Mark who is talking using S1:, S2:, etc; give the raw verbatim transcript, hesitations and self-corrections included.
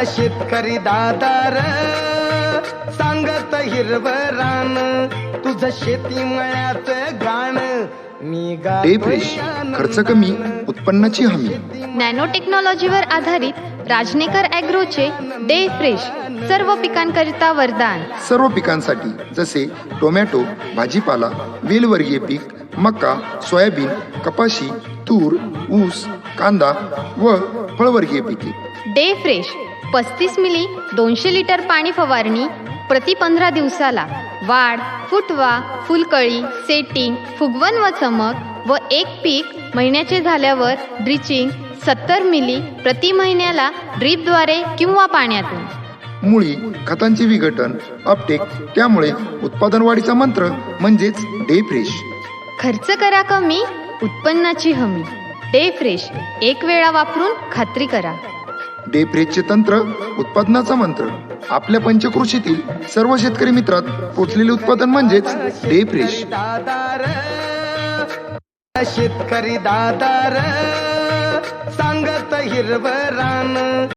S1: शेतकरी दादार सांगत हिरव रान तुझं शेती मळ्यात गाण मी
S2: डे फ्रेश, खर्च कमी, उत्पन्नाची हमी.
S3: नॅनो टेक्नॉलॉजीवर आधारित राजनेकर ॲग्रोचे डे फ्रेश सर्व पिकांकरिता वरदान.
S2: सर्व पिकांसाठी जसे टोमॅटो, भाजीपाला, वेलवर्गीय पीक, मका, सोयाबीन, कपाशी, तूर, ऊस, कांदा व फळवर्गीय पिके.
S3: डे फ्रेश पस्तीस मिली दोनशे लिटर पाणी फवारणी प्रति पंधरा दिवसाला. वाढ, फुटवा, फुलकळी, सेटिंग, फुगवण व चमक व एक पीक महिन्याचे झाल्यावर ड्रिचिंग सत्तर मिली प्रति महिन्याला ड्रीपद्वारे किंवा पाण्यातून.
S2: मुळी खतांचे विघटन, अपटेक, त्यामुळे उत्पादन वाढीचा मंत्र म्हणजेच डे फ्रेश.
S3: खर्च करा कमी, उत्पन्नाची हमी. डे फ्रेश एक वेळा वापरून खात्री करा.
S2: डे फ्रेशचे तंत्र, उत्पादनाचा मंत्र. आपल्या पंचकृषीतील सर्व शेतकरी मित्रात पोचलेले उत्पादन म्हणजेच डे फ्रेश.
S1: दादार शेतकरी दादार सांगत हिरव रान